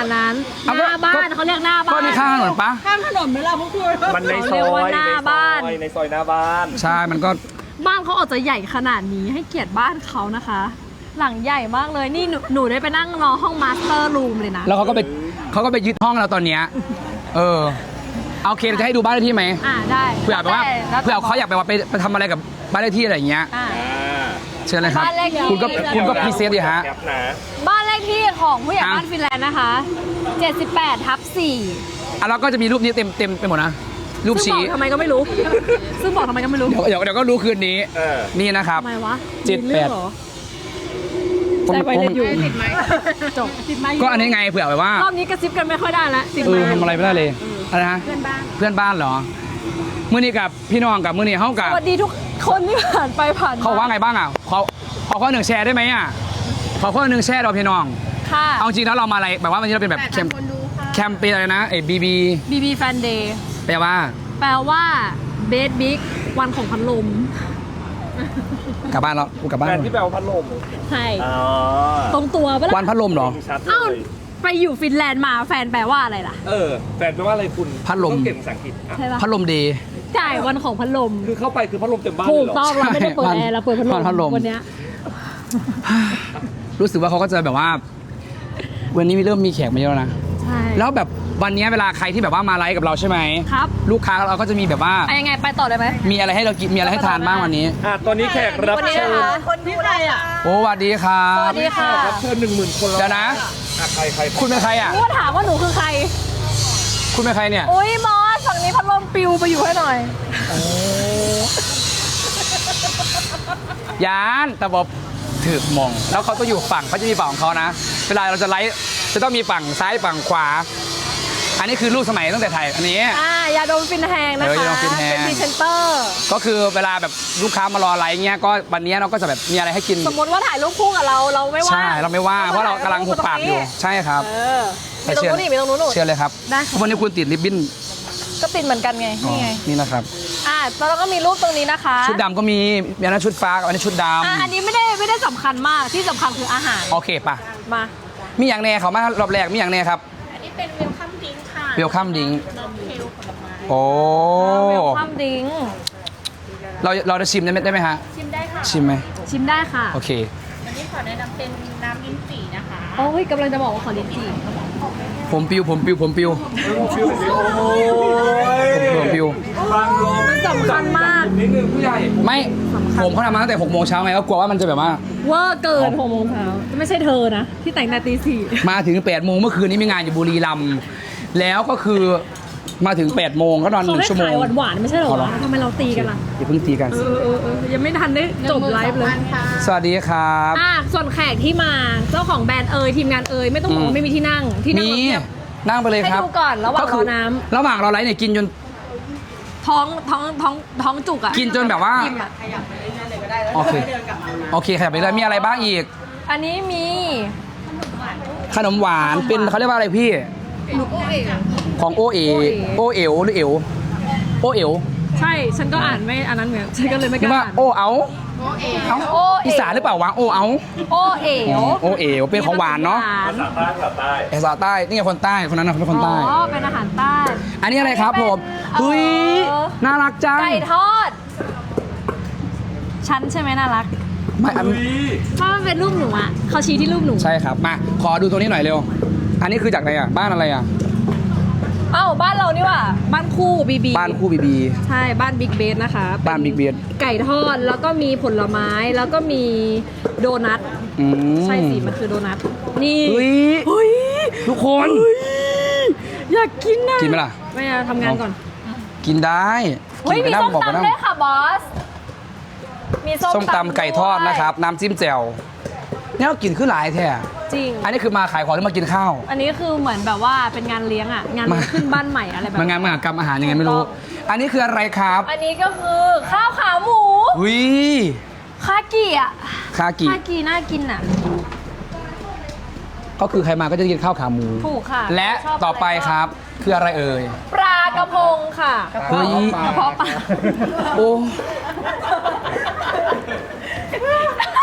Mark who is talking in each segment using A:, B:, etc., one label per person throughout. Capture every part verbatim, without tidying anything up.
A: ดนั้นห
B: เอาก็
A: น้าบ้านเขาเรียกหน้าบ้าน
B: ก็นี่ข้างถนนปะ
C: ข้ามถนนไหมล่ะพวกคุณ
D: มันในซ
A: เรี
D: อย
A: กว่าหน้าบ้าน
D: ในซอยในซอยหน้าบ้าน
B: ใช่มันก็
A: บ้านเขาออกจะใหญ่ขนาดนี้ให้เกียรติบ้านเขานะคะ หลังใหญ่มากเลยนี่หนูหนูได้ไปนั่งรอห้องมาสเตอร์รูมเลยนะ
B: แล้วเขาก็ไปเขาก็ไปยึดห้องเราตอนเนี้ยเออเอาโอเคเราจะให้ดูบ้านเลขที่ไหม
A: อ่าได้
B: เผื่อแบบว่า
A: แล้วแต่
B: เผื่อเขาอยากไปว่าไปไปทำอะไรกับบ้านเลขที่อะไรอย่างเงี้ย
A: อ่า
D: อ่า
B: เชิญเลยครับ
A: บ้านเลขที่
B: คุณก็คุณก็พรีเซนต์ดิฮะ
D: แคปนะ
A: บ้านเลขที่ของผู้ใหญ่
B: อ่ะ
A: บ้านฟินแลนด์นะคะเจ็ดสิบแปดทับสี่
B: อ่ะเราก็จะมีรูปนี้เต็มเต็มไปหมดนะรูป
A: ซึ่งบ
B: ชี้
A: อกทำไมก็ไม่รู้ ซึ่งบอกทำไมก็ไม่รู้
B: เดี๋ยวเดี๋ยวเดี๋ยวก็รู้คืนนี้
D: เออ
B: นี่นะครับ
A: ทำไมวะ
B: เจ็ดแปด
A: มีรื่องหรอ
B: ผม
A: ใส่ไวเล
B: ผม
A: สอยู่ติดไหมจบติดไหม
B: ก็อันนี้ไงเผื่อแบบว่าร
A: อบนี้กระซิบกันไม่ค่อยได้แล้วติด
B: เอ
A: ไหม
B: อทำอะไรไม่ได้เลยอะไรนะ
A: เพื่อนบ้าน
B: เพื่อนบ้านเหรอมื่อนี้กับพี่น้องกับมื่อนี้เขากับ
A: สวัสดีทุกคนที่ผ่านไปผ่านม
B: เขาว่าไงบ้างอ่ะขอขอข้อหนึ่งแชร์ได้ไหมอ่ะขอข้อหนึ่งแชร์เราพี่น้อง
A: ค่ะ
B: เอาจริงแล้วเรามาอะไรแบบว่าวันนี้เราเป็นแบบแคมแคมเปญอะไรนะไอ้บีบี
A: บีบีแฟนเดย์
B: แปลว่า
A: แปลว่าเบสบิ๊กวันของพัดลม
B: กลับบ้านแล้วกูกลับบ้าน
D: แบรน
B: แล้ว
D: ด์ที่แปลว่าพัดลม
A: ใช่
D: อ๋อ
A: ตรงตัวปะ
B: วัน
A: ล่ะ
B: พัดลมเหรอ
D: ชัดเล
A: เอ้าย ไปอยู่ฟินแลนด์มาแฟนแปลว่าอะไรล่ะ
D: เออแฟนแปลว่าอะไรคุณ
B: พัดลม
D: ต้องเก่งภาษาอังกฤษอ่ะ
A: ใช่ปะ
B: พัดลมดี
A: จ่ายวันของพัดลม
D: คือเข้าไปคือพัดลมเต็มบ้าน
A: ถู
D: เลย
A: ก
D: เหรอ
A: ต้องเราไม่ได้เปิดแอร์เราเปิดพัดลม
B: พัดลม
A: วันเนี้ย
B: รู้สึกว่าเขาก็จะแบบว่า วันนี้เริ่มมีแขกมาเยอะแล้วนะ
A: ใช่
B: แล้วแบบวันนี้เวลาใครที่แบบว่ามาไลฟ์กับเราใช่ไหม
A: ครับ
B: ลูกค้าเราก็จะมีแบบว่า
A: อะยังไงไปต่อได้ไหม
B: มีอะไรให้เรากินมีอะไรให้ทานบ้างวันนี้
D: อ่ะตอนนี้แขกรับ
A: วันนี้
D: เชิ
A: นะ
D: ญ
A: คะ
C: คนดูอะไรอ่ะ
B: โอ้สวัสดีครั
A: ส
B: บ
A: วัสดีค่ะ
D: รับเชิญหนึ่งหมื่นคนแล้ว
B: เดี๋ยวนะ
D: อ่ะใครใคร
B: คุณเป็นใครอ่ะ
A: รู้ว่าถามว่าหนูคือใคร
B: คุณเป็นใครเนี่ย
A: อุ้ยมอสฝั่งนี้พัดลมปิวไปอยู่ให้หน่อย
B: ยานแต่บอกถือมอง แล้วเขาต้องอยู่ฝั่งเขาจะมีฝั่งของเขานะ เวลาเราจะไลฟ์จะต้องมีฝั่งซ้ายฝั่งขวา อันนี้คือรูปสมัยตั้งแต่ไทยอันนี้
A: อ่ายาดมฟินแฮงนะ
B: เออ
A: คะ
B: ยาดมฟินแฮง
A: เป็นพรีเซนเตอร์
B: ก็คือเวลาแบบลูกค้ามารอไลฟ์เงี้ยก็วันนี้เราก็จะแบบมีอะไรให้กิน
A: สมมติว่าถ่ายรูปคู่กับเราเราไม่ว่า
B: ใช่เราไม่ว่าเพราะเรากำลังหุบปากอยู่ใช่ครับ
A: เออมีตรงนู้นนี่มีตรงนู้นหนู
B: เชื่อเลยครับ
A: ได้ค่ะ
B: วันนี้คุณติดริบบิ้น
A: ก็ติดเหมือนกันไง
B: อ๋อ
A: นี่ไง
B: นี่นะครับ
A: อ่าแล้วเราก็มีรูปตรงนี้นะคะ
B: ชุดดำก็มีมีอันนั้นชุดฟ้ากับอันนี้ชุดด
A: อ่ะอันนี้ไม่ได้ไม่ได้สำคัญมากที่สำคัญคืออาหาร
B: ำโอเคป่ะ
A: มา
B: มีอย่างแน่เขามารอบแรกมีอย่างแน่ครับ
C: อันนี้เป็นเวลคัมดิ้งค่ะ
B: เวลคัมดิง
C: นมเทลผลไม้
B: โอ้
A: เวลคัมดิ้ง
B: เราเราจะชิมได้ไหมได้ไหมฮะ
C: ชิมได้ค่ะ
B: ชิมไหม
A: ชิมได้ค่ะ
B: โอเค
C: อันนี้ขอแนะนำเป็นน้ำลิ้นจี่นะคะ
A: โอ้ยกำลังจะบอกว่าขอลิ้นจี่
B: ผมปิวผมปิวผมปิว
D: ฟิวฟิวโอ้ย
B: ผมปิว
D: ฟังลม
A: มันสำคัญมาก
D: นิดนึงผู้ใหญ่
B: ไม่ผมเขาทำมาตั้งแต่หกโมงเช้าไงก็กลัวว่ามันจะแบบว่า
A: เวอร์เกินหกโมงเช้าไม่ใช่เธอนะ ที่แต่งแต่ตีสี่
B: มาถึงแปดโมงเมื่อคืนนี้มีงานอยู่บุรีรัมย์แล้วก็คือมาถึงแปดโมงก็นอนห
A: เขา
B: นึ่ง
A: ให้
B: ชั่วโม
A: ขาง ยหวานๆไม่ใช่เหรอ
B: เอาเหรอ
A: วะทำไมเราตีกันล่ะ
B: อย่าเพิ่งตีกัน
A: เออเออเออยังไม่ทันได้จบไลฟ์เลย
B: สวัสดีครับ
A: อ่ะส่วนแขกที่มาเจ้าของแบรนด์เอยทีมงานเอยไม่ต้องบอก
B: อื
A: ว่าม ไม่มีที่นั่งที่นั่ง
B: มี
A: เราเทียบ
B: นั่งไปเลยครับ
A: ให้ดูก่อนระหว่าง
B: ก็คื
A: รอน้ำ
B: ระหว่างเราไลฟ์เนี่ยกินจน
A: ท้องท้องท้องท้องจุกอ่ะ
B: กินจนแบบว่า
A: อิ่มอะ
B: โอเคโอเคขยับไปเลยมีอะไรบ้างอีก
A: อันนี้มี
B: ขนมหวานเป็นเขาเรียกว่าอะไรพี่ ของโอเอโอเอ๋วหรือเอ๋วโอเอ๋ว
A: ใช่ฉันก็อ่านไม่อันนั้นเหมือนฉันก็เลยไม่ก
B: นึก
A: ล้า
B: ว่า
A: อ่าน
B: โอเอาเอ้า
A: โอเอ๋ว
B: อีสานหรือเปล่าวะโอเอา
A: โอเอ๋ว
B: โอเอ๋วเป็นของหวานเนาะ
A: หว
D: ภาษาใต้ภาษาใต้
B: ภาษาใต้นี่ไงคนใต้คนนั้นนะเป็นคนใต้
A: อ๋อเป็นอาหารใต้
B: อันนี้อะไรครับผม
A: เอ่อ
B: เฮ้ยน่ารักจัง
A: ไก่ทอดฉันใช่ไหมน่ารัก
B: ไม่อัน
A: ถ้ามันเป็นรูปหนูอ่ะเขาชี้ที่รูปหนู
B: ใช่ครับมาขอดูตัวนี้หน่อยเร็ว อันนี้คือจากไหนอ่ะบ้านอะไรอ่ะ
A: เอ้าบ้านเรานี่หว่าบ้านคู่บีบี
B: บ้านคู่บีบี
A: ใช่บ้านบิ๊กเบสนะคะ
B: บ้าน Big Base
A: ไก่ทอดแล้วก็มีผลไม้แล้วก็มีโดนัท
B: อืม
A: ใช่สิมันคือโดนัทนี่
B: เฮ้ย
A: เฮ้ย
B: ทุกคน
A: อยากกินนะ
B: กินไหมล่ะ
A: ไม่เอาทำงานก่อน
B: กินได้
A: เฮ้ย
B: กิน
A: มี
B: ไปนั่ง
A: ส้ม
B: บอกไปนั่ง
A: ตำด้วยค่ะบอสมีส้ม
B: ส้มตำไก่ทอดนะครับ น้ำจิ้มแจ่วเนี่ยเรากินขึ้นหลายแท้
A: จริง
B: อันนี้คือมาขายของหรือมากินข้าว
A: อันนี้คือเหมือนแบบว่าเป็นงานเลี้ยงอ่ะงาน
B: มา
A: ขึ้นบ้านใหม่อะไรแบบ
B: มางานมหากรรมอาหารยังไงไม่รู้ อันนี้คืออะไรครับ
A: อันนี้ก็คือข้าวขาหมู
B: วิ
A: คากิอ่ะ
B: คากิ
A: คากิน่ากินอ่ะ
B: ก็คือใครมาก็จะกินข้าวขาหมู
A: ถูกค่ะ
B: และ
A: ชบ
B: ต่อไปครับ คืออะไรเอ่ย
A: ปลากระพงค่ะ
B: เฮ้ย
A: กระเพาะปลา
B: โอ้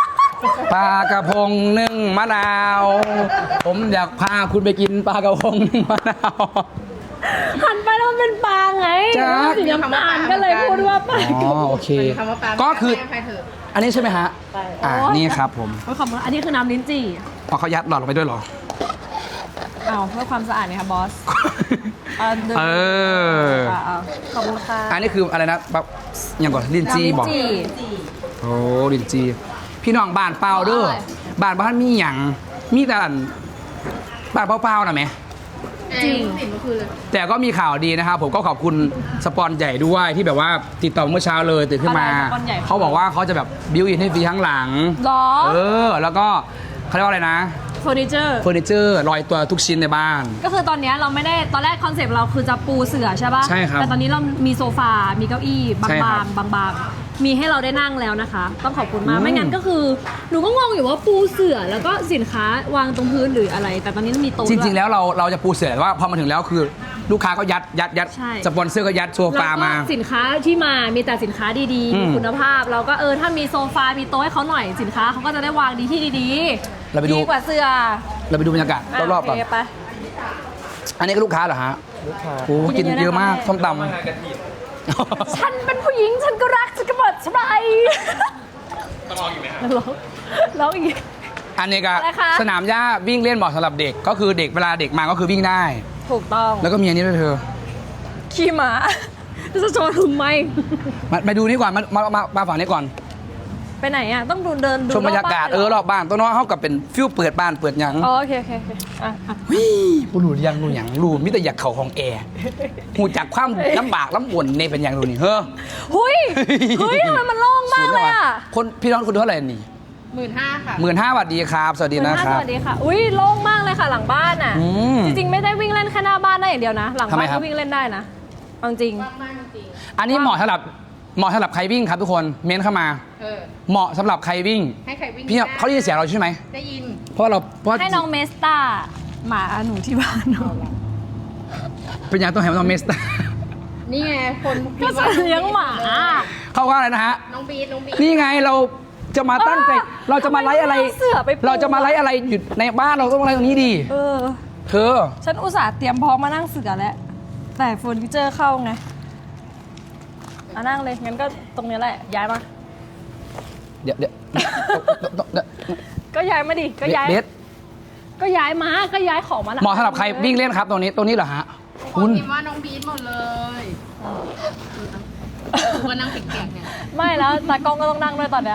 B: ปลากระพงนึ่งมะนาว ผมอยากพาคุณไปกินปลากระพงนึ่งมะนาว
A: หันไปแล้วมันเป็นปลาไง
B: จ๊ะ
A: สีน้ำตาลก็เลยพูดว่าปลา
B: อ๋อโอเค
C: คำว่าปลา
B: ก็คือ
C: ใครเถอะ
B: อันนี้ใช่ไหมฮะ อ่า นี่ครับผม
A: โอ้ยขอบคุณอันนี้คือน้ำลิ้นจี่
B: พอเขายัดหลอดลงไปด้วยเหรอ
A: เอาเพื่อความสะอาดนี่ค่ะบอสเอาดู
B: เออ
A: เอาเอาขอบคุณค่ะ
B: อันนี้คืออะไรนะแบบอย่างก่อนลินจีบอก
A: น้ำลิ้นจี่
B: โอ้ลินจี พี่น้องบ้านเปล่าเด้อ
A: อร่อย
B: บ้านบ้านมีหยังมีแต่อันบ้านเปล่าๆนะแหม่
A: จริง
C: ติดเมื่อคืนเลย
B: แต่ก็มีข่าวดีนะครับผมก็ขอบคุณสปอนใหญ่ด้วยที่แบบว่าติดต่อเมื่อเช้าเลยตื่นขึ้นมา
A: อะไรสปอนใหญ่
B: เขาบอกว่าเขาจะแบบบิวอินให้ฟรีข้างหลัง
A: หรอ
B: เออ แล้วก็เขาเรียกว่าอะไรนะ
A: เฟอร์นิเจอร์
B: เฟอร์นิเจอร์ลอยตัวทุกชิ้นในบ้าน
A: ก็คือตอนเนี้ยเราไม่ได้ตอนแรกคอนเซปต์เราคือจะปูเสื่อใช่ป่ะ
B: ใช่ครับ
A: แต่ตอนนี้เรามีโซฟา มีเก้าอี้บา
B: ใช่ครับ
A: งๆบางๆ มีให้เราได้นั่งแล้วนะคะ ต้องขอบคุณมาก
B: อืม
A: ไม่งั้นก็คือหนูก็งงอยู่ว่าปูเสื่อแล้วก็สินค้าวางตรงพื้นหรืออะไร แต่ตอนนี้มีโต๊ะ
B: จริง ๆ
A: ด้วย
B: แล้วเราเราจะปูเสือแต่ว่าพอมาถึงแล้วคือลูกค้าก็ยัดยัดยัด
A: ใช่
B: สปอนเซอร์ก็ยัดโซฟามา
A: แล้วก็สินค้าที่มามีแต่สินค้าดี
B: อื
A: ๆ
B: ม
A: มีคุณภาพ เราก็เออถ้ามีโซฟา มีโต๊ะให้เขาหน่อยสินค้าเขาก็จะได้วางดีที่ดีๆ
B: เราไปดู
A: ดีกว่าเสื่อ
B: เราไปดูบรรยากาศรอบๆก่อน
A: โเคไป
B: อันนี้ก็ลูกค้าเหรอฮะ
D: ลูกค้า
B: โอ้กินเยอะมากส้มต
D: มากระถิ่น
B: ำ
A: ฉันเป็นผู้หญิงฉันก็รักฉันก็เปิดใช่ไหม
D: ต้องลองอยู่ไหมครับ
A: ร้องร้องอีก
B: อันนี้ก็
A: อะไรคะ
B: สนามหญ้าวิ่งเล่นเหมาะสำหรับเด็กก็คือเด็กเวลาเด็กมาก็คือวิ่งได้
A: ถูกต้อง
B: แล้วก็มีอันนี้ด้วยเธอ
A: ขี่ม้าจะโชว์ทำไม
B: มามาดูนี่ก่อนมามามามาฝั่งนี้ก่อน
A: ไปไหนอ่ะ ต้องดูเดินดู
B: ชมบรรยากาศเออรอบบ้านตัวน้อยเขากับเป็นฟิวเปิดบ้านเปิดหยัง
A: อ๋อโอเคโอเคโอเคอ่ะอ่ะ
B: วิบุรุษยังรู้หยังรู้มิแต่อยากเข่าของแอร์หูจากความลำบากลำบนในเป็นอย่างรู้นี่เฮ้อ
A: หุยเฮ้ยทำไมมันโล่งมากเลยอ่ะ
B: คนพี่น้องคุณเท่าไหร่นี่
C: หมื่นห้าค่ะ
B: หมื่นห้าบาทดีครับ สวัสดีนะค
A: ส
B: รับ
A: วัสดีค่ะอุ้ยโล่งมากเลยค่ะหลังบ้านอ่ะ
B: อืม
A: จริงๆไม่ได้วิ่งเล่นแค่หน้าบ้านได้อย่างเดียวนะ หลัง
B: ทำไม
A: บ้าน
B: ครั
A: ก็
B: บ
A: วิ่งเล่นได้นะเอาจริง
C: ว่างมากจริง
B: อันนี้เหมาะสำหรับเหมาะสำหรับใครวิ่งครับทุกคนเม้นเข้ามา
C: เออ
B: เหมาะสำหรับใครวิ่ง
C: ให้ใครวิ่ง
B: พี่
C: ได้
B: เขาได้ยินเสียงเราใช่ไหม
C: ได้ยิน
B: เพราะเราเพราะ
A: ให้น้องเมสตาหมาหนูที่บ้านเนาะ
B: เป็นอย่างต้องให้น้องเมส
C: นี่ไงคน
A: ก็สัตว์เลี้ยงหมา
B: เขาว่าอะไรนะฮะ
C: น้องบีดน้องบีด
B: นี่ไงเราจะมาตั้งใจ
A: เออ
B: เราจะมาไลฟ์อะไร
A: ทำไมไม่เอาเสือไปปู
B: เราจะมาไลฟ์อะไรอยู่ในบ้านเราต้องไลฟ์ตรงนี้ดี
A: เออ
B: เธอ
A: ฉันอุตส่าห์เตรียมพร้อมมานั่งเสือแล้ว แต่เฟอร์นิเจอร์เข้าไงอ่ะนั่งเลย งั้นก็ตรงนี้แหละ ย้ายมา
B: เดี๋ยวเดี๋ยว
A: ก็ย้ายมาดิ ก็ย้าย
B: เบส
A: ก็ย้ายมา ก็ย้ายของมา
B: เหมาะสำหรับใครวิ่งเล่นครับตรงนี้ตรงนี้เหรอฮะ
C: ค
B: คุ
C: น
B: ณ
C: พิมพ์ว่าน้องบีดหมดเลยกูก็นั่งเก่งๆเนี่ย
A: ไม่แล้วตากล้องก็ต้องนั่งด้วยตอนเนี้ย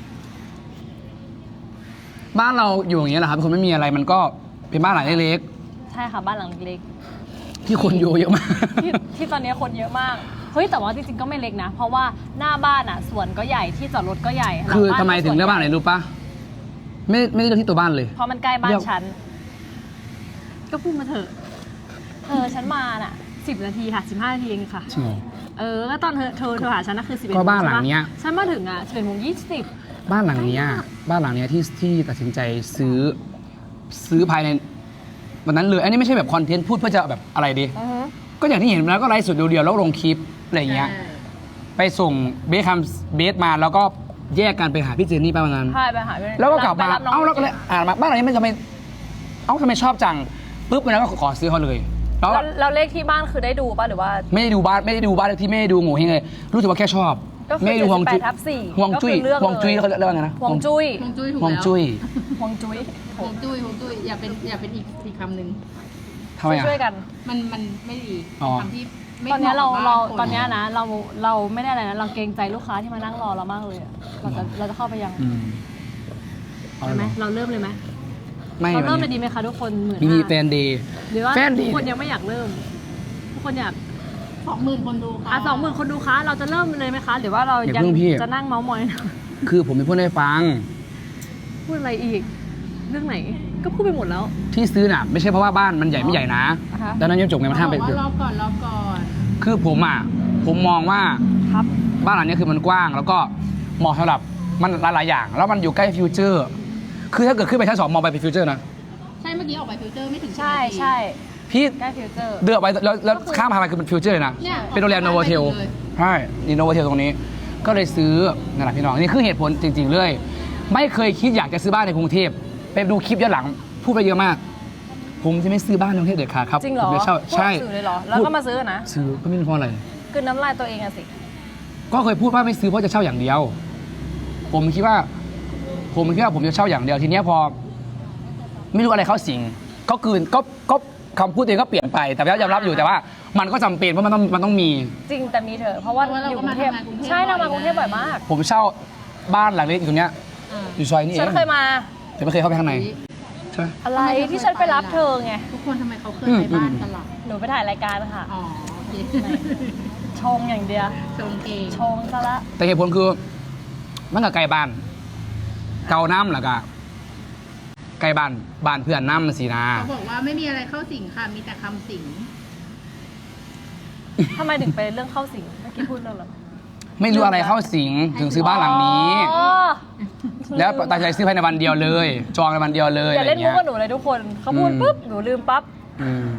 B: บ้านเราอยู่อย่างเงี้ยแหละครับเป็นคนไม่มีอะไรมันก็เป็นบ้านหลังเล็ก
A: ใช่ค่ะ บ้านหลังเล็ก
B: ๆที่คนอยู่เยอะมาก
A: ที่ที่ตอนนี้คนเยอะมาก เฮ้ย แต่ว่าจริงๆ ก็ไม่เล็กนะ เพราะว่าหน้าบ้านอ่ะสวนก็ใหญ่ ที่จอดรถก็ใหญ่หลั
B: คือ
A: บ้าน
B: ทำไมถึงเลือกบ้านไหนรู้ปะไม่ไม่ได้เลือกที่ตัวบ้านเลย
A: เพราะมันใกล้บ้า
B: เลื
A: น
B: อก
A: ฉัน ก็พูดมาเถอะ เธอฉันมาน่ะสิบนาทีค่ะสิบห้านาทีเองค่ะ
B: จริงเหรอ
A: เออ ก็ตอนเธอเธอเธอหาฉันน่ะคือสิบเอ็ด
B: ก็บ้านหลังเนี้ย
A: ฉันมาถึงอ่ะสิบเอ็ดโมงยี่สิบ
B: บ้านหลังเนี้ยบ้านหลังเนี้ยที่ที่ตัดสินใจซื้อซื้อภายในวันนั้นเลย อันนี้ไม่ใช่แบบคอนเทนต์พูดเพื่อจะแบบอะไรดี ก็อย่างที่เห็นแล้วก็ไลฟ์สดเดียวๆแล้วลงคลิปอะไรอย่างเงี้ย ไปส่งเบสคัมเบสมาแล้วก็แยกกันไปหาพี่เจนนี่ไปวันนั้น
A: ใช่ไปหาพี่
B: แล้วก็กลับมา
A: ไปรับน้ง
B: เอ้าแล้วก็เลยอ่านมาบ้านหลังนี้มันจะไม่เอ้าทำไมชอบจังปุ๊บวันนั้นก็ขอซื้อเขาเลยแล้ว
A: แล้วแล้วเลขที่บ้านคือได้ดูป่ะหรือว่า
B: ไม่ได้ดูบ้านไม่ได้ดูบ้านเลขที่ไม่ได้ดูโง่เฮงเลยรู้สึกว่าแค่ชอบ
A: ก็คือ
B: ไม่ได้ดูฮวงจุ้ย
A: เจ็ดสิบแปดทับสี่
B: ฮวงจุ้ย
A: ก็คือเลือก
B: ฮวงจุ้ย
A: เลย
B: เขาเรียกว่าไงนะ
A: ฮวงจุ้ย
C: ฮวงจุ้ยถูก
B: ฮวง
C: แล้ว
B: จุ้ย
A: ฮวงจุ้ย
C: ฮวงจุ้ยฮวงจุ้ยอย่าเป็นอย่าเป็นอีกอีกคำหนึ่ง
B: ทำไมอ่ะ
A: ช่วยๆกัน
C: มันมันไม่ดี
B: อ๋อ
C: คำที่ไม่
A: ตอนเนี้ยเรา
C: หมะกับ
A: เรา
C: บ้ค
A: ตอนเนี้ยนะเราเราไม่ได้อะไรนะเราเกรงใจลูกค้าที่มานั่งรอเรามากเลยอะเราจะเราจะเข้าไปยัง
B: อืมเอา
A: ใช่
B: เลย
A: ไห
B: เห
A: ม
B: รอ
A: เราเริ่มเลยไหม
B: ไม่
A: เรา
B: วั
A: เริ่ม
B: น
A: เลย
B: นี้
A: ดีไหมคะทุกคนหมื่น
B: มี
A: ห้า
B: แฟนเดย์
A: หรือว่า
B: แฟนดี
A: ทุกคนยังไม่อยากเริ่มทุกคนอยาก
C: สองหมื่นคนดูค่ะ
A: อ่ะสองหมื่นคนดูคะเราจะเริ่มเลยไหมคะหรือว่าเรา
B: อย่า
A: ยัง
B: เพิ่งพี่
A: จะนั่งเมาส์มอย
B: คือผมเป็นพูดให้ฟัง
A: พูดอะไรอีก เรื่องไหนก็พูดไปหมดแล้ว
B: ที่ซื้อน่ะไม่ใช่เพราะว่าบ้านมันใหญ่ไม่ใหญ่นะ
A: อ่าฮะ
B: ดังนั้นยังจบไงมันห้ามไป
C: บอก
B: คือ
C: ว่ารอก่อนรอก่อน
B: คือผมอ่ะผมมองว่า
A: ครับ
B: บ้านหลังนี้คือมันกว้าง แล้วก็เหมาะสำหรับมันหลายๆอย่าง แล้วมันอยู่ใกล้ฟิวเจอร์ คือถ้าเกิดขึ้นไปชั้นสองมองไปเป็นฟิวเจอร์นะ
C: ใช่เมื่อกี้ออกไปฟิลเตอร์ไม่ถึง
A: ใช่
C: สิบนาที
A: ใช่
B: พี่
A: ใกล้ฟิวเจอร์
B: เดือกไปแล้วแล้วข้ามพาไปคือเป็นฟิวเจอร์เลยนะ
C: เนี่ย
B: เป็นโรงแรมโนโวเทล
C: ไปเลย
B: ใช่นี่โนโวเทลตรงนี้ ก็เลยซื้อนั่นแหละพี่น้องนี่คือเหตุผลจริง ๆ เลยไม่เคยคิดอยากจะซื้อบ้านในกรุงเทพไปดูคลิปย้อนหลังพูดไปเยอะมาก ผมจะไม่ซื้อบ้านในกรุงเทพเด็ดขาดครับ
A: จริงเหรอ
B: ผมจะเช่าใช่
A: พูดสื่อเลยเหรอแล้วก็มาซื้อนะ
B: ซื้อก็ไม่รู้เพราะอะไร
A: คือน้ำลายตัวเองอะสิ
B: ก็เคยพูดว่าไม่ซื้อเพราะจะเช่าอย่างเดียว ผมคิดว่า ผมคิดว่าผมจะเช่าอย่างเดียวทีเนี้ยพอ ไม่รู้อะไรเข้าสิงก็คืนก็ก็คำพูดตัวเองก็เปลี่ยนไป แต่ก็ยอมรับอยู่แต่ว่า มันก็จำเป็นเพราะมันต้องมันต้องมี
A: จริงแต่มีเถอะเพราะว่าอยู่กรุงเทพใช่เรามากรุงเทพบ่อยมาก
B: ผมเช่าบ้านหลังเล็กอยู่ตรงเนี้ยอยู่ซอยนี้เอ
A: ฉัน
B: ง
A: เคยมา
B: แต่ไม่เคยเข้าไปข้างในใช่ไหม
A: อะไรที่ฉันไปรับเธอไง
C: ทุกคนทำไมเขาเคย
B: อืม
C: ไปบ้านกันล่ะ
A: หนูไปถ่ายรายการค่ะ
C: อ๋อโอเค
A: ชงอย่างเดียว
C: ชงเอง
A: ชงซะละ
B: แต่เหตุผลคือมันกับไกลบ้าน เกาน้ำหรอกะไกลบ้านบ้านเพื่อนน้ำมันสีนา
C: เขาบอกว่าไม่มีอะไรเข้าสิงค่ะ มีแต่คำสิง
A: ทำไมถึงไปเรื่องเข้าสิงเมื่อกี้พูดเรื่องอะไร
B: ไม่รู้อะไรเข้าสิงถึงซื้อบ้านหลังนี้
A: อ๋อ
B: แล้วตัดใจซื้อภายในวันเดียวเลย จองในวันเดียวเลย
A: อย่า
B: อะไร
A: เล่นมุ
B: เงี้
A: ก
B: ย
A: กับหนูเลยทุกคนเขาพูด
B: อืม
A: ปุ๊บหนูลืมปั๊บ
B: อืม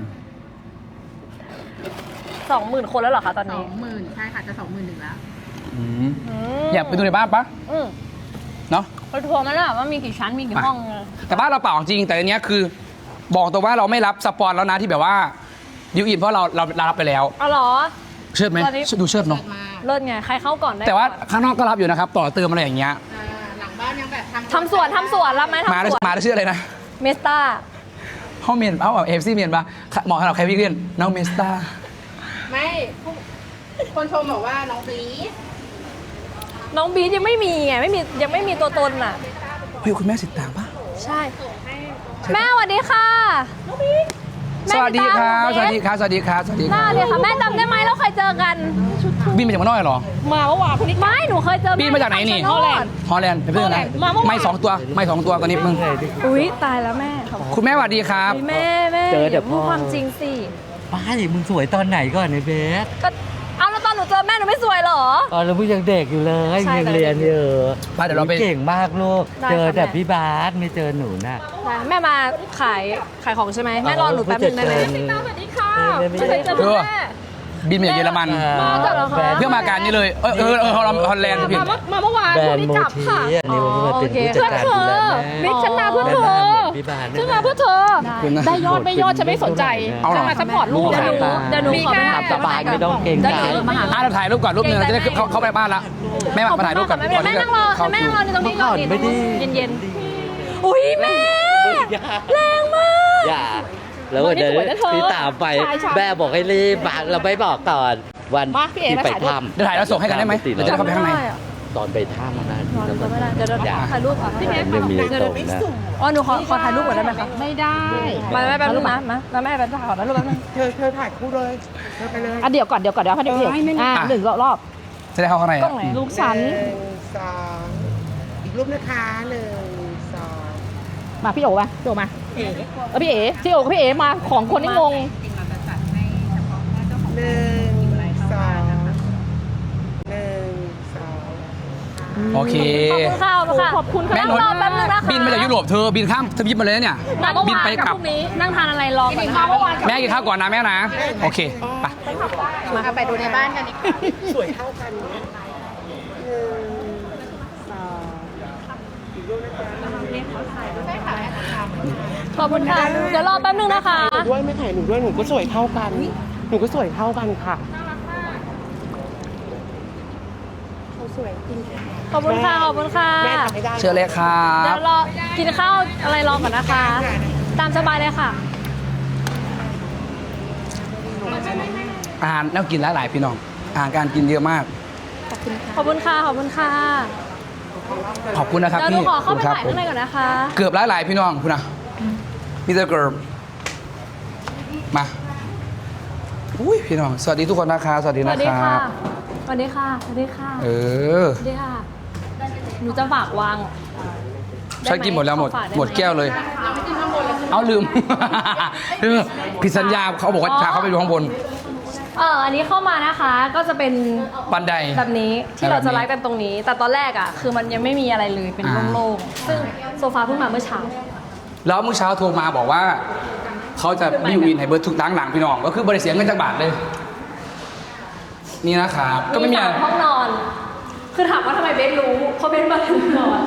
A: สองหมื่นคนแล้วเหรอคะตอน
C: สอ
A: นี้
C: งหมื่นใช่ค่ะ จะสองหมื่นหนึ่งแล้ว
B: อืม
A: ม
B: อยากไปดูในบ้านปะ
A: อืม
B: เนาะ
A: ไปทัวร์มันอะว่ามีกี่ชั้นมีกี่ห้อง
B: แต่บ้านเราเปล่าจริงแต่อันเนี้ยคือ บอกตัวว่าเราไม่รับสปอนแล้วนะที่แบบว่าดิวอินเพราะเราเราเรารับไปแล้ว
A: เอาเหรอ
B: เชิดไหม
A: ตอนนี้
B: ดูเชิดเนาะ
C: เกิดมา
A: เลิศไงใครเข้าก่อนได้
B: แต่ว่า
A: ก่อน
B: ข้างนอกก็รับอยู่นะครับ ต่อเติมอะไรอย่างเงี้ย
C: อ่าหลังบ้านยังแบบทำ
A: ทำสวนทำสวนรับไหม
B: มา
A: ทำ
B: ได้
A: สวน
B: มาได้ชื่ออะไรนะ
A: เมสตา
B: ห้องเมียนเอ้าเอฟซีเมียนปะเหมาะสำหรับใครพี่เรียนน้องเมสตา
C: ไม่ผู้คนชมบอกว่าน้องบีส
A: น้องบีทยังไม่มีไงไม่มียังไม่มีตัวตนอ่ะ
B: เฮ้ยคุณแม่สิตางปะ
A: ใช่ แม่สวัสดีค่ะน้องบีท
B: สวัสดีครับสวัสดีครับสวัสดีครับสวัสดีค
A: แม่
B: รับ
A: สวัสดีค่ะแม่จำได้ไหมเราเคยเจอกัน
B: บินมาจากเมืองนอกเหรอ
A: มาเมื่อวานคนนี้ไม่หนูเคยเจอ
B: บินมาจากไหนนี่
A: ฮอลแลนด์
B: ฮอลแลนด์ไปเพื่อนนะ
A: มาเมื่อวาน
B: ไม่สองตัวไม่สองตัวตอนนี้มึง
A: อุ้ยตายแล้วแม่ขอบคุณ
B: คุณแม่สวัสดีครับ
A: แม่แม่
E: เจอแต่
A: ย่าพูด
E: พ่อ
A: ความจริงสิ
E: ป้าดิมึงสวยตอนไหนก่อนในเบส
A: ก็เอาแล้วตอนหนูเจอแม่หนูไม่สวยเหรอ
E: ตอนเราพิ่งยังเด็กอยู่เลย
A: ใช่
E: ยังเรียนอยู่
B: ไปเดี๋ยวเราไป
E: เก่งมากลูก
A: ได้
E: เจอ
A: ค่ะ
E: แต่
A: แม่
E: พี่บาสไม่เจอหนูน่ะ
A: แม่มาขายขายของใช่ไหมแม่รอหนูแป๊บนึงได้ไหม
E: เออ
A: สวัสดีค่ะ
E: เออไม่
A: ไม่เคยเจอ
B: เออ
A: แม่
B: บินมาจากเยอรมัน
A: มาจากเหรอคะ
B: เพื่อมาการนี้เลยเออเออเออฮอลฮอลแลนด์ผิด
A: มามาเมื่อวาน
E: แบร
A: พรุ่
E: น
A: ง
E: ด์
A: นี้
E: โม
A: กลับ
E: ที
A: ค่ะ
E: อันนี้มันมาเป็น
A: โอเค
E: ผู้จัดการดูแลแม่
A: มิกฉันมาเพื่อเธอ
E: แม่มาเหมือนพี่บาส
A: ฉันมาเพื่อเธอ
B: คุณนะ
A: ได้ยอดไม่ยอดฉันไม่สนใจ
B: เอาเหรอ
A: ฉันมาซัพพอร์ตลูก
E: เดี๋ยวหนู
A: เดี๋ยวหนูขอไป
E: ตามสบายไม่ต้องเกรงใจ
A: ดี๋ยวหนูมาหา
B: อ่ะเราถ่ายรูปก่อนรูปหนึงเราจะได้เข้าเข้าไปบ้านละแม่มามาถ่ายรูปก่อน
A: แม่แม่นั่งรอ
B: เข้า
A: แม่
B: คิ
A: นั่
B: ว
A: งรอในตรงนี้ก่อน
E: เมื่อก่อนไม่ได้
A: เย็นเย็นๆอุ้ยแม่ แรงมาก
E: อย่าแล้ววัน
A: วันนี้
E: นี้
A: สวยนะเธอ
E: พี่ตามไป
A: ใช่ใช่
E: แม่บอกให้รีบมาเราไม่บอกก่อนวัน
A: มาพี่เอ๋
E: ที่
A: มา
E: ไป
A: ถ่ายรูป
E: ถ้ำ
B: เดี๋ยวถ่ายแล้วส่งให้กันได้ไหมเดี๋ยวจะได้เข้าไปข้างใน
E: ตอนไปถ้ำนะ
A: นอนก็ไม่ได้เดี๋ยวเดี๋ยว
E: อย่า
A: ถ่ายรูปก่อนพี่เอ๋
E: ยังมีส่งนะ
A: อ๋อหนูขอขอถ่ายรูปก่อนได้ไหมคะ
C: ไม่ได้
A: มาแม่แป๊บนึงมามามาแม่แป๊บนึงขอถ่ายรูปแป๊บนึง
F: เธอเธอถ่ายคู่เลยเธอไปเลย
A: อ่ะเดี๋ยวก่อนเดี๋ยวก่อนเดี๋ยวให้เดี๋ยวเดี๋ยวอ่าหนึ่งรอบ
B: จะได้เข้าข้างใน
A: กล้
B: อะ
A: องไหนลูกฉัน
F: หนึ่งสองอีกรูปนะคะหนึ่งสอง
A: มาพี่โอ๋มาพี่โอ๋มาเออพี่เอ๋พี่โอ๋กับพี่เอ๋มาของคนที่งง
F: หนึ่งสองหนึ่งสอง
B: โอเค
A: ขอบคุณค่ะขอบคุณค่ะ
B: แม่
A: นั่ง
B: น
A: ร
B: น
A: อแป๊บนึงนะคะ
B: บินมาจากยุโรปเธอบินข้ามทวีปมาเลยนะเนี่ย
A: มาเมื่อ
B: บิน
A: วาน
B: ไป
A: กับ
B: กลับ
A: พรุ่งนี้นั่งทานอะไรรอก่อนมาเมื่อวาน
B: แม่กินข้าวก่อนนะแม่นะ โอเคไป
C: มาไปดูในบ้านกันดีกว่า
F: สวยเท่ากันนะหนึ่งสองอีกรูปนะคะ
A: ขอบคุณค่ะเดี๋ยวรอแป๊บนึงนะคะ
F: หนูด้วยไม่ถ่ายหนูด้วยหนูก็สวยเท่ากัน หนูก็สวยเท่ากันค่ะเขาสวยจริง
A: ขอบคุณค่ะขอบคุณค่ะ
F: แม่ทำไม่ได้
B: เชิญเลยครั
A: เดี๋ย
B: บ
A: วรอกินข้าวอะไรรอก่อนนะคะ ตามสบายเลยค่ะ
B: อาหารน่ากินหลายๆพี่น้องอาหารการกินเยอะมาก
A: ขอบคุณค่ะขอบคุณค่ะ
B: ขอบคุณนะครับ
A: เดี๋ยวหนู
B: พี่
A: ขอเข้าไป
B: ครับ
A: ถ่ายข้างในก่อนนะคะ
B: เกือบหลายๆพี่น้องคุณนะพี่เตอร์เกิร์บมาอุ้ยพี่น้องสวัสดีทุกคนนะคะสวัสดี
A: ส
B: นะ
A: วัสดี
B: ค
A: ค่ะ
B: รับ
A: สวัสดีค่ะสวัสดีค่ะ
B: เออ
A: สวัสดีค่ะ หนูจะฝากวาง
B: ฉันกินหมดแล้วหมด
A: ขอฝากไไ
B: หมดแก้วเลย เอาลืม ลืมผิดสัญญาเขาบอกว่าพาเขาไปดูข้างบน
A: เอออันนี้เข้ามานะคะ ก็จะเป็น
B: บันได
A: แบบนี้ที่เรา
B: แบบนี้
A: จะไลฟ์กันตรงนี้ แต่ตอนแรกอ่ะ คือมันยังไม่มีอะไรเลยเป็น
B: อ่า
A: โล่งๆซึ่งโซฟาเพิ่งมาเมื่อเช้า
B: แล้วเมื่อเช้าโทรมาบอกว่า เขาจะบิวอินให้เบิร์ดทุกตั้งหลังพี่น้อง ก็คือบริเสียเงินจากบาทเลย นี่นะครับ ก็ไม่มี
A: สา
B: อะไร
A: มห้องนอน คือถามว่าทำไมเบสรู้เพราะเบสมาถึงนอน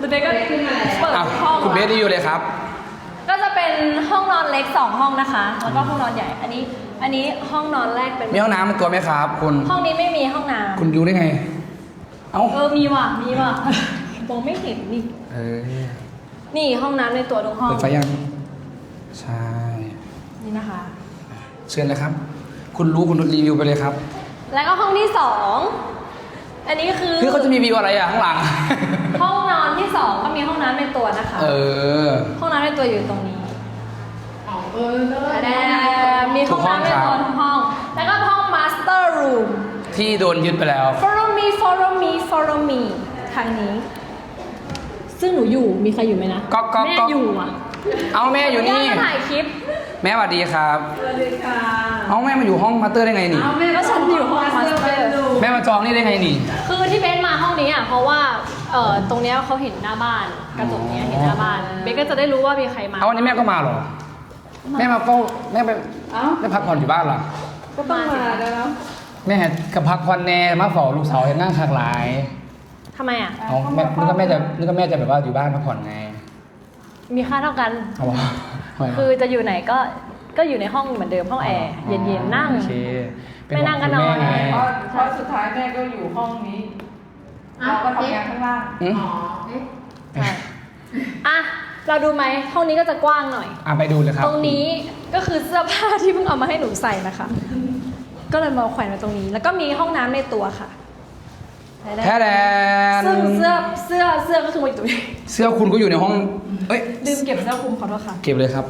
A: เบสก็เปิด
B: อ้าว
A: ห้อง
B: คุณเบสรีวิวเลยครับ
A: ก็จะเป็นห้องนอนเล็กสองห้องนะคะ แล้วก็ห้องนอนใหญ่ อันนี้ อันนี้ห้องนอนแรกเป็น
B: มีห้องน้ำเป็นตัวไหมครับคุณ
A: ห้องนี้ไม่มีห้องน้
B: คุณรู้ได้ไง เอ้า
A: ำเออ มีว่ะ มีว่ะ มองไม่เห็นนี่
B: เออ
A: นี่ห้องน้ำในตัวทุกห้อง
B: เปิดไฟยัง ใช่
A: นี่นะคะ
B: เชิญเลยครับ คุณรู้คุณรีวิวไปเลยครับ
A: แล้วก็ห้องที่สองอันนี้คือ
B: คือเขาจะมีวิวอะไรอ่ะข้างหลัง
A: ห้องนอนที่สองก็มีห้องน้ำในตัวนะคะ
B: เออ
A: ห้องน้ำในตัวอยู่ตรงนี้
C: อ๋อเออเลิศ
A: แดงมีห้องน้ำในตัวทุกห้อง แล้วก็ห้อง master room
B: ที่โดนยึดไปแล้ว
A: follow me follow me follow me ทางนี้ ซึ่งหนูอยู่ มีใครอยู่ไหมนะ
B: ก๊อกก๊อก
A: แม่
B: ก๊อก
A: อยู่อ่ะ
B: เอาแม่อยู่นี่
A: ย่ามาถ่ายคลิป
B: แม่สวัสดีครับ
C: สวัสดีค่ะ
B: เอาแม่มาอยู่ห้องมาสเตอร์ได้ไงนี่
C: เอาแม่
A: ก็ฉันอยู่ห้อง master
B: แม่มาจองนี่ได้ไงนี่
A: คือที่เบนมาห้องนี้อ่ะ เพราะว่า เอ่อ ตรงเนี้ยเขาเห็นหน้าบ้าน กระจกเนี้ยเห็นหน้าบ้าน เบนก็จะได้รู้ว่ามีใครมา
B: เอาวันนี้แม่ก็มาเหรอ แม่มาเฝ้าแม่ไป
C: เอ้า
B: แม่พักผ่อนอยู่บ้านเหรอ
C: ก็ต้องมาแล้ว
B: แม่กับพักผ่อนแน่มาเฝ้าลูกสาวเห็นนั่งขากหลาย
A: ทำไมอ่ะ
B: เอาแม่นึกว่าแม่จะนึกว่าแม่จะแบบว่าอยู่บ้านพักผ่อนไง
A: มีค่าเท่ากัน
B: เอาวะทำไมวะ
A: คือจะอยู่ไหนก็ ก็อยู่ในห้องเหมือนเดิมห้องแอร์ เย็นๆ นั่ง
B: โอเคเป็
A: ไม่นั่งก็นอน
B: ห่วงคุณแม่ไง
C: เพราะเพราะสุดท้ายแม่ก็อยู่ห้องนี้เราก็ทำงานข้างล่าง
B: อืม
C: อ๋อเอ๊ะ
A: ใช่อ่ะ เราดูไหมห้องนี้ก็จะกว้างหน่อย
B: อ่ะไปดูเลยครับ
A: ตรงนี้ก็คือเสื้อผ้าที่เพิ่งเอามาให้หนูใส่นะคะ ก็เลยมาแขวนไว้ตรงนี้ แล้วก็มีห้องน้ำในตัวค่ะ
B: แท้แดน
A: ซึ่งเสื้อเสื้อเสื้อก็คือมาอยู่ตรงนี้
B: เสื้อคุณก็อยู่ในห้อง เอ้ย
A: ลืมเก็บเสื้อคลุมขอโทษค่ะ
B: เก็บเลยครับ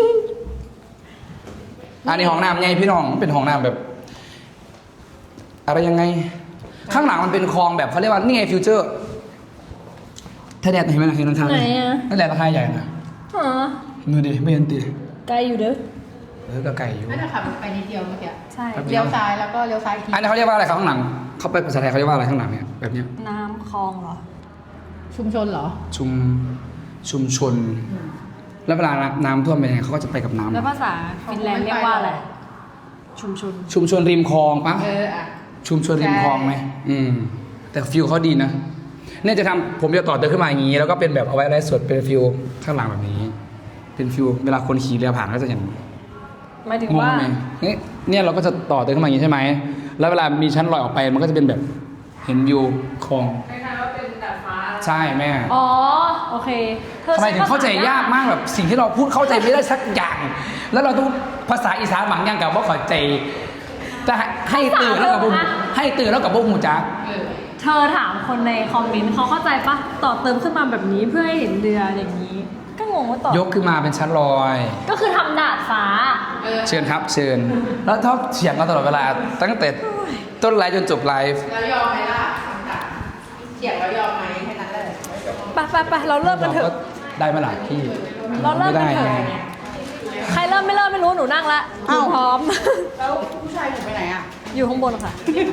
B: อันนี้ห้องน้ำไงพี่น้องเป็นห้องน้ำแบบ อะไรยังไง ข้างหลังมันเป็นคลองแบบเขาเรียกว่านี่ไงฟิวเจอร์ถ้าแดดเห็นไหมนะเห็นราคา
A: ไหนอะ
B: นั่นแหละราคาใหญ่นะ
A: อ๋อ
B: ดูดิไม่เห็นตี
A: ไกลอยู่เด้อ
B: เออก็ไก่อยู่
C: น่าจะขับไปนิดเดียวเมื่อกี้
A: ใช่
C: เลี้ยวซ้ายแล้วก็เลี้ยวซ้ายอีกที
B: อันนี้เขาเรียกว่าอะไรครับข้างหลังเขาไปภาษาไทยเขาเรียกว่าอะไรข้างหลังเนี่ยแบบเนี้ย
A: น้ำคลองเหรอ
C: ชุมชนเหรอ
B: ชุมชุมชน แล้วเวลาน้ำท่วมเป็นยังไงเขาก็จะไปกับน้ำ
A: แล้วภาษาฟินแลนด์เรียกว่าอะไร ชุมชน
B: ชุมชนริมคลองปะ
C: เอออ่ะ
B: ชุมชนริมคลองไหมอืม แต่ฟิลเขาดีนะเนี่ยจะทำผมจะต่อเติมขึ้นมาอย่างนี้ แล้วก็เป็นแบบเอาไว้ไลฟ์สดเป็นฟิลข้างหลังแบบนี้ เป็นฟิลเวลาคนขี่เรือผ่านก็จะเห็น
A: หมายถึง
B: งง
A: ว่า
B: ไหมเนี่ยเนี่ยเราก็จะต่อเติมขึ้นมาอย่างนี้ใช่ไหม แล้วเวลามีชั้นลอยออกไปมันก็จะเป็นแบบเห็นวิวคลอง
C: คล้ายๆว่าเป็นดาดฟ้า
B: ใช่แม่
A: อ๋อ โอเคธอ
B: ทำไมถึงเข้าใจยากมากแบบสิ่งที่เราพูดเข้าใจไม่ได้สักอย่าง แล้วเราต้องภาษาอีสานบางอย่างกับว่าเข้าใจจะให้ตื่นแล้วกับบุ้มให้ตื่นแล้วกับบุ้มหูจัก
C: เออ
A: เธอถามคนในคอมเมนต์เขาเข้าใจปะต่อเติมขึ้นมาแบบนี้เพื่อให้เห็นเรืออย่างนี้ ก็งงว่าต่อย
B: กขึ้นมาเป็นชั้นลอย
A: ก็คือทำดาดฟ้า
C: เออ
B: เชิญครับเชิญ แล้วชอบเถียงกันตลอดเวลา ตั้งแต่ต้นไลฟ์จนจบไลฟ์
C: แล้วยอมไหมล่ะคำถามเสียงแล้วยอมไหมแค่นั้นแหละ
A: ไปไปไปเราเริ่มกันเถ
B: ก็
A: อะ
B: ได้มาหลายที่
A: เราเริ่มกันเถอะ
B: ไได้ไง
A: ใครเริ่มไม่เริ่มไม่รู้หนูนั่งละหนูพร้อม
C: แล้วผู้ชายหนูไปไหนอ่ะ
A: อยู่ข้างบนค่ะ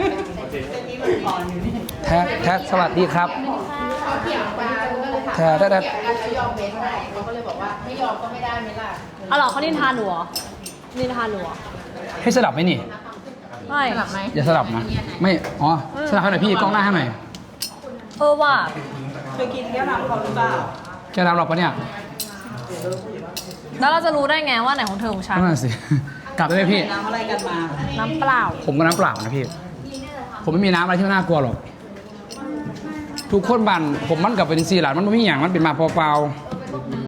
B: แท้แท้สวัสดีครับ
C: เขาเถียงกันก็เลยถาม
B: แท้แท้แท้
C: เถียงกันแล้วยอมเบสไหมเขาก็เลยบอกว่าไม่ยอมก็ไม่ได้ไหมล่ะ
A: เอาเหรอเขานินทาหนูเหรอนินทาหนูเหรอ
B: ให้สลับไหมนี่
A: ไม่
C: สลับไหม
B: อย่าสลับนะ ไม่ อ๋อ สลับให้หน่อยพี่กล้องหน้าให้หน่อย
A: เออว่ะ
F: เคยกินแก้วน้ำเขาหรือเปล่า
B: แกน้ำหรอกปะเนี่ย
A: แล้วเราจะรู้ได้ไงว่าไหนของเธอของฉัน
B: นั่นนะสิ กลับได้ไหมพี่
F: น้ำอะไรกันมา
A: น้ำเปล่า
B: ผมก็น้ำเปล่านะพี่ ผมไม่มีน้ำอะไรที่น่ากลัวหรอก ทุกคนบันผมมันกลับเป็นสี่หลานมันไม่มีอย่างมันเป็นมาเปล่า